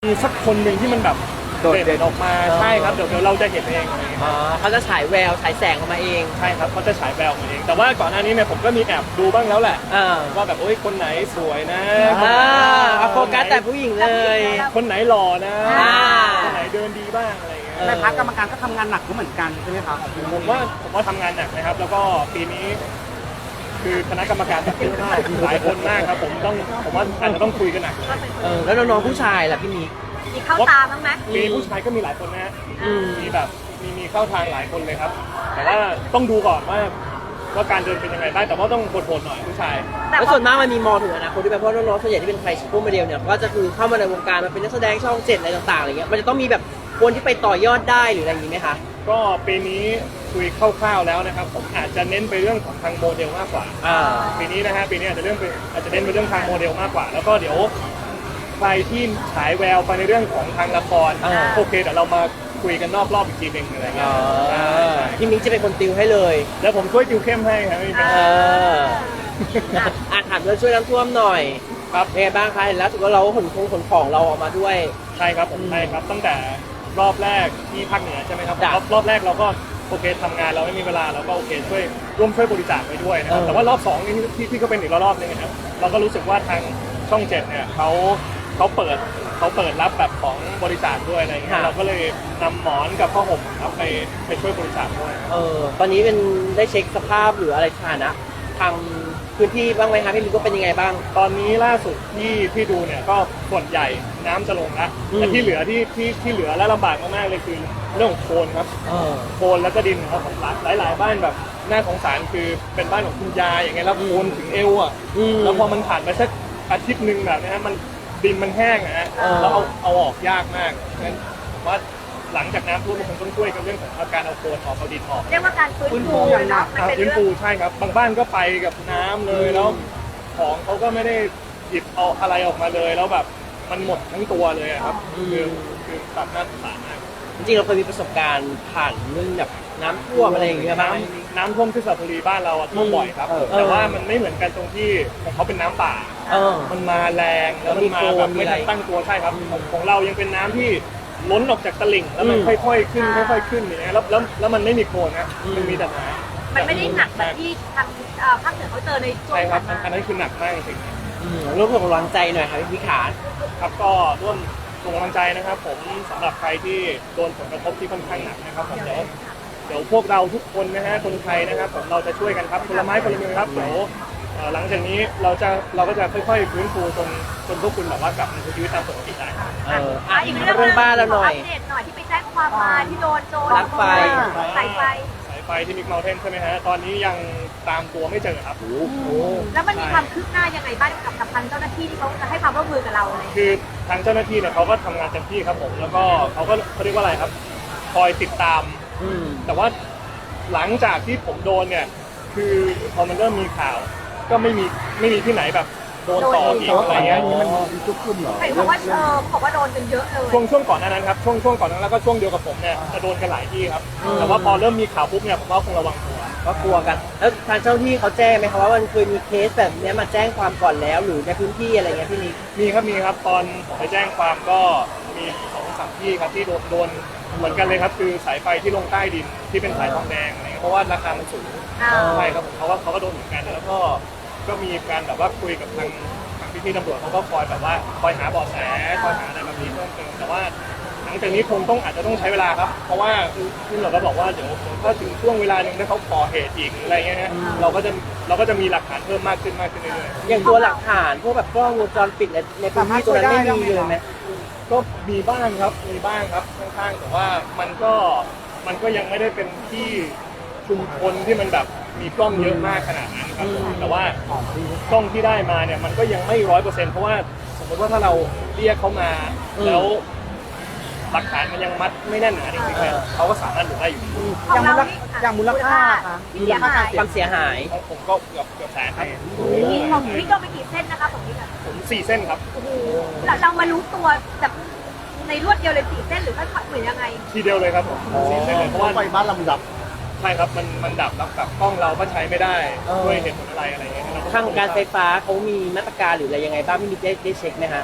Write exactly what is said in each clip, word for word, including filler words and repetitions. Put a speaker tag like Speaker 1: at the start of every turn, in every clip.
Speaker 1: มีสักคนหนึ่งที่มันแบบ
Speaker 2: โดดเด่น
Speaker 1: เด่นออกมาใช่ครับเดี๋ยวเดี๋ยวเราจะเห็นเอง
Speaker 2: อ๋อเขาจะฉายแววฉายแสงออกมาเอง
Speaker 1: ใช่ครับเขาจะฉายแววมาเองแต่ว่าก่อนหน้านี้เนี่ยผมก็มีแอบดูบ้างแล้วแหละ
Speaker 2: อ่า
Speaker 1: ว่าแบบโอ้ยคนไหนสวยนะ
Speaker 2: อ่าเอาโฟกัสแต่ผู้หญิงเลย
Speaker 1: คนไหนหล่อนะ
Speaker 2: อ่า
Speaker 1: คนไหนเดินดีบ้างอะไรอย่างเงี้ย
Speaker 3: แต่พรรคกรรมการก็ทำงานหนักก็เหมือนกันใช่ไหมครับ
Speaker 1: ผมว่าผมว่าทำงานหนักนะครับ แล้วก็ปีนี้ คือคณะกรรมการแบบเยอะมากหลายคนมากครับผมต้องผมว่าอาจจะต้องคุยกันหนัก
Speaker 2: เออแล้วน้องๆผู้ชายล่ะพี่นิก
Speaker 4: มีเข้าตาบ้างไหม
Speaker 1: มีผู้ชายก็มีหลายคนนะฮะ
Speaker 2: อืม
Speaker 1: มีแบบมีมีเข้าทางหลายคนเลยครับ แต่ว่าต้องดูก่อนว่าว่าการเดินเป็นยังไงบ้างแต่ว่าต้องโหดๆหน่อยผู้ชาย
Speaker 4: แต่
Speaker 2: แล้ว
Speaker 4: พอ
Speaker 2: ส่วนมากมันมีมองถึงอนาคตด้วยไหมเพราะน้องๆส่วนใหญ่ที่เป็นใครชิปโป้โมเดลเนี่ยก็จะคือเข้ามาในวงการมาเป็นนักแสดงช่องเจ็ดอะไรต่างๆอะไรเงี้ยมันจะต้องมีแบบคนที่ไปต่อยอดได้หรืออะไรอย่างนี้ไหมคะ
Speaker 1: ก็ปีนี้คุยคร่าวๆแล้วนะครับผมอาจจะเน้นไปเรื่องของทางโมเดลมากกว่า
Speaker 2: อ่า
Speaker 1: ปีนี้นะฮะปีนี้อาจจะเรื่องไปอาจจะเน้นไปเรื่องทางโมเดลมากกว่า แล้วก็เดี๋ยวใครที่ฉายแววไปในเรื่องของทางละคร
Speaker 2: อ่า
Speaker 1: โอเคเดี๋ยวเรามาคุยกันนอกรอบอีกทีหนึงอะไรเงี้
Speaker 2: อ๋
Speaker 1: ย
Speaker 2: อ
Speaker 1: ใช่ใช่
Speaker 2: พี่มิกจะเป็นคนติวให้เลย
Speaker 1: แล้วผมช่วยติวเข้มให้ครับไม่มีปัญ
Speaker 2: เอ
Speaker 1: หา
Speaker 2: ออ่ะถามเรื่องช่วยน้ำท่วมหน่อย
Speaker 1: ครับ
Speaker 2: เป็นไงบ้างคะเห็นแล้วถือว่าเราขนของขนของเราออกมาด้วย
Speaker 1: ใช่ครับผมใช่ครับตั้งแต่รอบแรกที่ภาคเหนือใช่ไหมครับ
Speaker 2: จ้ะ
Speaker 1: รอบรอบแรกเราก็โอเคทำงานเราไม่มีเวลาเราก็โอเคช่วยร่วมช่วยบริจาคไปด้วยนะครับ
Speaker 2: เออ
Speaker 1: แต่ว่ารอบสองนี่ที่ที่ก็เป็นอีกรอบนึงนะครับเราก็รู้สึกว่าทางช่องเจ็ดเนี่ยเขาเขาเปิดเขาเปิดรับแบบของบริจาคด้วยอะไรเงี้ยเราก็เลยนำหมอนกับผ้าห่มครับไปไปช่วยบริจาคด้วย
Speaker 2: เออตอนนี้เป็นได้เช็คสภาพหรืออะไรสถานะทางพื้นที่บ้างไหมคะพี่มิกว่าเป็นยังไงบ้าง
Speaker 1: ตอนนี้ล่าสุดที่ที่ดูเนี่ยก็ส่วนใหญ่น้ำจะลงแล้ว
Speaker 2: อืม
Speaker 1: แต่ที่เหลือที่ที่ที่เหลือและลำบากมากๆเลยคือเรื่องของโคลนครับ
Speaker 2: เออ
Speaker 1: โคลนแล้วก็ดินครับของหลายหลายๆบ้านแบบน่าสงสารคือเป็นบ้านของคุณยายอย่างเงี้ยแล้วโคลนถึงเอวอ่ะ
Speaker 2: อืม
Speaker 1: แล้วพอมันผ่านไปสักอาทิตย์หนึ่งแบบเนี้ยมันดินมันแห้งอะฮะ
Speaker 2: เออ
Speaker 1: แล้วเอาเอาออกยากมากงั้นผมว่าหลังจากน้ำท่วมมันคงต้องช่วยกันเรื่องของอาการเอาโคลนออกเอาดินออก
Speaker 4: เรียกว่าการฟื้นฟูเนาะมัน
Speaker 1: อ่า
Speaker 4: เป็น
Speaker 1: ฟื้น
Speaker 4: เรื่
Speaker 1: ฟู
Speaker 4: อง
Speaker 1: ใช่ครับบางบ้านก็ไปกับน้ำเลยแล้วของเขาก็ไม่ได้หยิบเอาอะไรออกมาเลยแล้วแบบมันหมดทั้งตัวเลยอะครับคือคือแบบน่าสงสารมาก
Speaker 2: จริงๆเราเคยมีประสบการณ์ผ่านเรื่องแบบน้ำท่วมอะไรอย่างเงี้ยบ้างไหม
Speaker 1: น้ำน้ำท่วมที่สระบุรีบ้านเราอะท่วมบ่อยครับ
Speaker 2: เออ
Speaker 1: แต่ว่ามันไม่เหมือนกันตรงที่ของเขาเป็นน้ำป่า
Speaker 2: เออ
Speaker 1: มันมาแรงแล้วมันมาแบบไม่ทันตั้งตัวใช่ครับของของเรายังเป็นน้ำที่ล้นออกจากตลิ่งแล้วมัน
Speaker 2: อืม
Speaker 1: ค่อยๆขึ้นค่อยๆขึ้นอย่างเงี้ยแล้วแล้วแล้วมันไม่มีโคลนนะ
Speaker 2: อืม
Speaker 1: มันมีแต่น้ำ
Speaker 4: มันไม่ได้หนักแบบที่ทางเอ่อภาคเหนือเขาเจอในช่วง
Speaker 1: ใช่ครับ
Speaker 4: ผ่าน
Speaker 1: อัน
Speaker 4: มา
Speaker 1: นั้นคือหนักมากจริง
Speaker 2: อืมร่วมส่งกำลังใจหน่อยค่ะพี่มิกขา
Speaker 1: ๆครับก็ร่วมส่งกำลังใจนะครับผมสำหรับใครที่โดนผลกระทบที่ค่อนข้างหนักนะครับผมเดี๋ยวเดี๋ยวพวกเราทุกคนนะฮะคนไทยนะครับผมเราจะช่วยกันครับคนละไม้คนละมือครับเดี๋ยวเอ่อหลังจากนี้เราจะเราก็จะค่อยๆฟื้นฟูจนจนพวกคุณแบบว่ากลับมาใช้ชีวิตตามปกติได้
Speaker 2: เออ
Speaker 4: อ่ะ
Speaker 2: อ่ะ
Speaker 4: อี
Speaker 2: อี
Speaker 4: ก
Speaker 2: ก
Speaker 4: เรื่อง
Speaker 2: เรื่องบ้านเราหน่อย
Speaker 4: ขอัปเดตหน่อยที่ไปแจ้งความมาที่โดนโจร
Speaker 2: ลักไฟ
Speaker 4: สายไฟ
Speaker 1: สายไฟที่มิกเมลเทนใช่ไหมฮะตอนนี้ยังตามตัวไม่เจอครับ
Speaker 2: โอ้โห
Speaker 4: แล้วมันมีความคืบหน้ายังไงบ้างกับกับทางเจ้าหน้าที่ที่เขาจะให้ความร่วมมือกับเราอะไรอย่างเงี้ย
Speaker 1: คือทางเจ้าหน้าที่เนี่ยเขาก็ทำงานเต็มที่ครับผมแล้วก็เขาก็เขาเรียกว่าอะไรครับ คอยติดตาม
Speaker 2: อืม
Speaker 1: แต่ว่าหลังจากที่ผมโดนเนี่ยคือพอมันเริ่มมีข่าว ก็ไม่มีไม่มีที่ไหนแบบโดนต่ออีกอะไรเงี้ย
Speaker 3: มันทุกขึ้นเหรอ
Speaker 4: เห็นบอกว่าเออบอกว่าโดนกันเยอะเลย
Speaker 1: ช่วงช่วงก่อนหน้านั้นครับช่วงช่วงก่อนหนานั้นแล้วก็ช่วงเดียวกับผมเนี่ยจะโดนกันหลายที่ครับ แต่ว่าพอเริ่มมีข่าวปุ๊บเนี่ยผมก็คงระวังตัว
Speaker 2: ก็กลัวกัน แล้วทางเจ้าหน้าที่เขาแจ้งไหมคะว่ามันเคยมีเคสแบบเนี้ยมาแจ้งความก่อนแล้วหรือในพื้นที่อะไรเงี้ยพี่นิก
Speaker 1: มีครับมีครับตอนผมไปแจ้งความก็มีสองสามที่ครับที่โดนโดนเหมือนกันเลยครับคือสายไฟที่ลงใต้ดินที่เป็นสายทองแดงอะไรเงี้ยเพราะว่าราคามันสูง
Speaker 4: อ่า
Speaker 1: ใช่ครับผมเขาก็เขาก็โดนเหมือนกันแล้วก็ก็มีการแบบว่าคุยกับทางทางพี่ๆตำรวจเขาก็คอยแบบว่าคอยหาเบาะแสคอยหาอะไรแบบนี้เพิ่มเติมแต่ว่าหลังจากนี้คงต้องอาจจะต้องใช้เวลาครับ เพราะว่าที่เราก็บอกว่าเดี๋ยวถ้าถึงช่วงเวลาหนึ่งถ้าเขาก่อเหตุอีกหรืออะไรเงี้ยฮะเราก็จะเราก็จะมีหลักฐานเพิ่มมากขึ้นมากขึ้นเรื่อยๆ
Speaker 2: อย่างตัวหลักฐานพวกแบบกล้องวงจรปิดในในพื้นที่ตัวนั้นไม่มีเลยไหม
Speaker 1: ก็มีบ้างครับ มีบ้างครับข้างๆแต่ว่ามันก็มันก็ยังไม่ได้เป็นที่ชุมชนที่มันแบบมีกล้องเยอะมากขนาดนั้นครับผมแต่ว่ากล้องที่ได้มาเนี่ยมันก็ยังไม่ร้อยเปอร์เซ็นต์เพราะว่าสมมติว่าถ้าเราเรียกเขามา
Speaker 2: อืม
Speaker 1: แล้วหลักฐานมันยังมัดไม่แน่นหนาจริงๆเนี่ยเขาก็สามารถหลุดได้อยู่
Speaker 3: อย่างมูลค่าอย่างมูลค่าค่ะ
Speaker 4: ที่เสียหาย
Speaker 2: ความเสียหาย
Speaker 1: ของผมก็เกือบเกือบแสนครับ
Speaker 4: นี่ของพี่โดนไปกี่เส้นนะคะของพี่อะ
Speaker 1: ผมสี่เส้นครับ
Speaker 4: โอ้โหเราเรามารู้ตัวแบบในรวดเดียวเลยสี่เส้นหรือว่าเหมือนยังไง
Speaker 1: ทีเดียวเลยครับผมสี่เส้นเลยเพราะว่า
Speaker 3: ไฟบ้านลำดับ
Speaker 1: ใช่ครับมันมันดับแล้วแบบกล้องเราก็ใช้ไม่ได้
Speaker 2: เออ
Speaker 1: ด้วยเหตุผลอะไรอะไรเงี้ยเร
Speaker 2: ทางการไฟฟ้าเขามีมาตรการหรืออะไรยังไงบ้างพี่มิกได้ได้เช็คไหมฮะ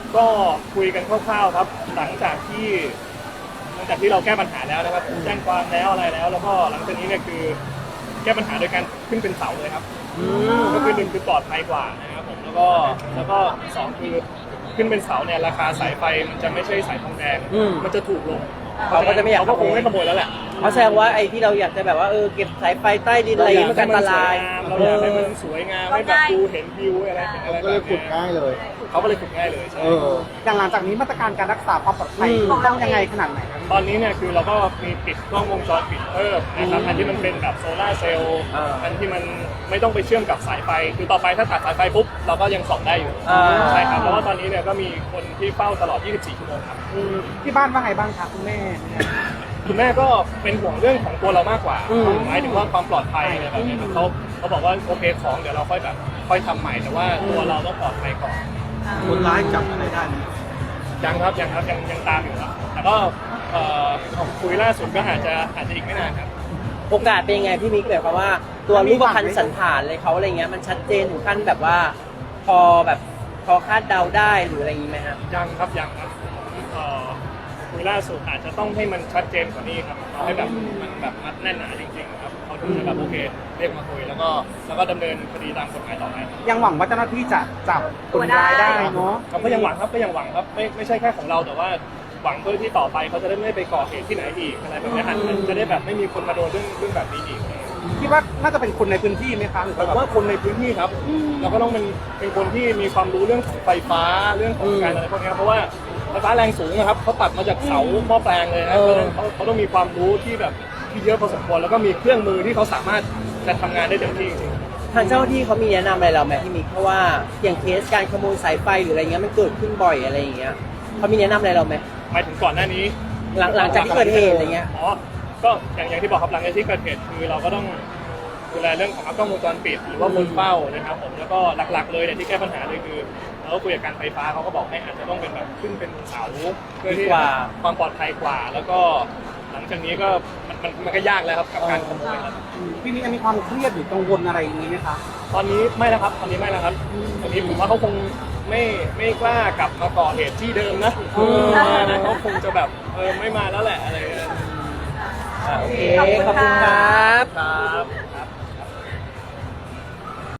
Speaker 1: ก็คุยกันคร่าวๆครับ หลังจากที่หลังจากที่เราแก้ปัญหาแล้วนะครับแจ้งความแล้วอะไรแล้ว แล้วก็หลังจากนี้เนี่ยคือแก้ปัญหาโดยการขึ้นเป็นเสาเลยครับก็คือหนึ่งคือปลอดภัยกว่านะครับผมแล้วก็แล้วก็สองคือขึ้นเป็นเสาเนี่ยราคาสายไฟมันจะไม่ใช่สายทองแดง
Speaker 2: อืม
Speaker 1: มันจะถูกลง
Speaker 2: เขาก็จะไม่อยาก
Speaker 1: เขาก็คงไม่ขโมยแล้วแหละ
Speaker 2: เพราะแสดงว่าไอ้ที่เราอยากจะแบบว่าเออเก็บสายไฟใต้ดินอะไรอย่างงี้มันอันตราย
Speaker 1: เราอยากให้มันสวยงามให้แบบดูเห็นวิวอะไรอะไร
Speaker 5: ก็เลยขุดง่ายเลย
Speaker 1: เขาก็เลยขุดง่ายเลยใช่
Speaker 5: เออ
Speaker 3: อย่างหลังจากนี้มาตรการการรักษาความปลอดภัย
Speaker 2: อืม
Speaker 3: ต้องยังไงขนาดไหนครับ
Speaker 1: ตอนนี้เนี่ยคือเราก็มีติดกล้องวงจรปิดเพิ่มนะครับอันที่มันเป็นแบบโซลาร์เซลล์
Speaker 2: อ่า
Speaker 1: อันที่มันไม่ต้องไปเชื่อมกับสายไฟ คือต่อไปถ้าตัดสายไฟปุ๊บเราก็ยังส่องได้อยู่
Speaker 2: อ่า
Speaker 1: ใช่ครับเพราะว่าตอนนี้เนี่ยก็มีคนที่เฝ้าตลอด ยี่สิบสี่ ชั่วโมงครับ
Speaker 3: อืมที่บ้านว่าไงบ้างคะคุณแม่
Speaker 1: คุณแม่ก็เป็นห่วงเรื่องของตัวเรามากกว่า
Speaker 2: อืม
Speaker 1: หมายถึงว่าความปลอดภัยอะไรแบบนี้ครับเขาเขาบอกว่าโอเคของเดี๋ยวเราค่อยแบบค่อยทำใหม่แต่ว่าตัวเราต้องปลอดภัยก่อน
Speaker 5: คนร้ายจับอะไรได้ไหม
Speaker 1: ยังครับยังครับยังยังตามอยู่ครับแต่ก็เอ่อคุยล่าสุดก็อาจจะอาจจะอีกไม่นานครับ
Speaker 2: โอกาสเป็นยังไงพี่มิกแบบว่า ตัวรูปพรรณสันฐานเลยเขาอะไรเงี้ยมันชัดเจนถึงขั้นแบบว่า พอแบบพอคาดเดาได้หรืออะไรอย่างงี้ไหมฮะ
Speaker 1: ยังครับยังครับเอ่อคุยล่าสุดอาจจะต้องให้มันชัดเจนกว่านี้ครับเอาให้แบบมันแบบมัดแน่นหนาจริงๆครับเขาถึงจะแบบโอเคเรียกมาคุยแล้วก็แล้วก็ดำเนินคดีตามกฎหมายต่อไป
Speaker 3: ยังหวังว่าเจ้าหน้าที่จะจับคนร้ายได้เนาะ
Speaker 1: ครับก็ยังหวังครับก็ยังหวังครับไม่ไม่ใช่แค่ของเราแต่ว่าหวังเพื่อที่ต่อไปเขาจะได้ไม่ไปก่อเหตุที่ไหนอีกอะไรแบบนี้ครับมันจะได้แบบไม่มีคนมาโดนเรื่องเรื่องแบบนี้อีก
Speaker 3: คิดว่าน่าจะเป็นคนในพื้นที่ไหมคะหรือ
Speaker 1: ผม
Speaker 3: ว่า
Speaker 1: ว่าคนในพื้นที่ครับเราก็ต้องเป็นเป็นคนที่มีความรู้เรื่องของไฟฟ้าเรื่องของการอะไรพวกนี้ครับเพราะว่าไฟฟ้าแรงสูงนะครับเขาตัดมาจากเสาหม้อแปลงเลยนะ
Speaker 2: เออ
Speaker 1: เขาเขาต้องมีความรู้ที่แบบที่เยอะพอสมควรแล้วก็มีเครื่องมือที่เขาสามารถจะทำงานได้เต็มที่จริง
Speaker 2: ทางเจ้าหน้าที่เขามีแนะนำอะไรเราไหมพี่มิกเพราะว่าอย่างเคสการขโมยสายไฟหรืออะไรเงี้ยมันเกิดขึ้นบ่อยอะไรอย่างเงี้ยเขามีแนะนำอะไรเราไหม
Speaker 1: หมายถึงก่อนหน้านี้
Speaker 2: หลังหลังจากที่เกิดเหตุอะไรเงี้ย
Speaker 1: อ๋อก็อย่างอย่างที่บอกครับหลังจากที่เกิดเหตุคือเราก็ต้องดูแลเรื่องของกล้องวงจรปิดหรือว่าบนเป้านะครับผมแล้วก็หลักๆเลยเนี่ยที่แก้ปัญหาเลยคือเราก็คุยกับการไฟฟ้าเขาก็บอกให้อาจจะต้องเป็นแบบขึ้นเป็นเสาเพื่อที่
Speaker 2: ดีกว่า
Speaker 1: ความปลอดภัยกว่า แล้วก็หลังจากนี้ก็มันมันมันก็ยากแล้วครับกับการขโมยครับ
Speaker 3: พี่มิกมีความเครียดหรือกังวลอะไรอย่างนี้ไหมคะ
Speaker 1: ตอนนี้ไม่แล้วครับตอนนี้ไม่แล้วครับตอนนี้ผมว่าเขาคงไม่ไม่กล้ากลับมาก่อเหตุที่เดิมนะเออนะเขาคงจะแบบเออไม่มาแล้วแหละอะไรอย่างเงี้ย
Speaker 2: โอเคขอบคุณครับ
Speaker 1: ครับ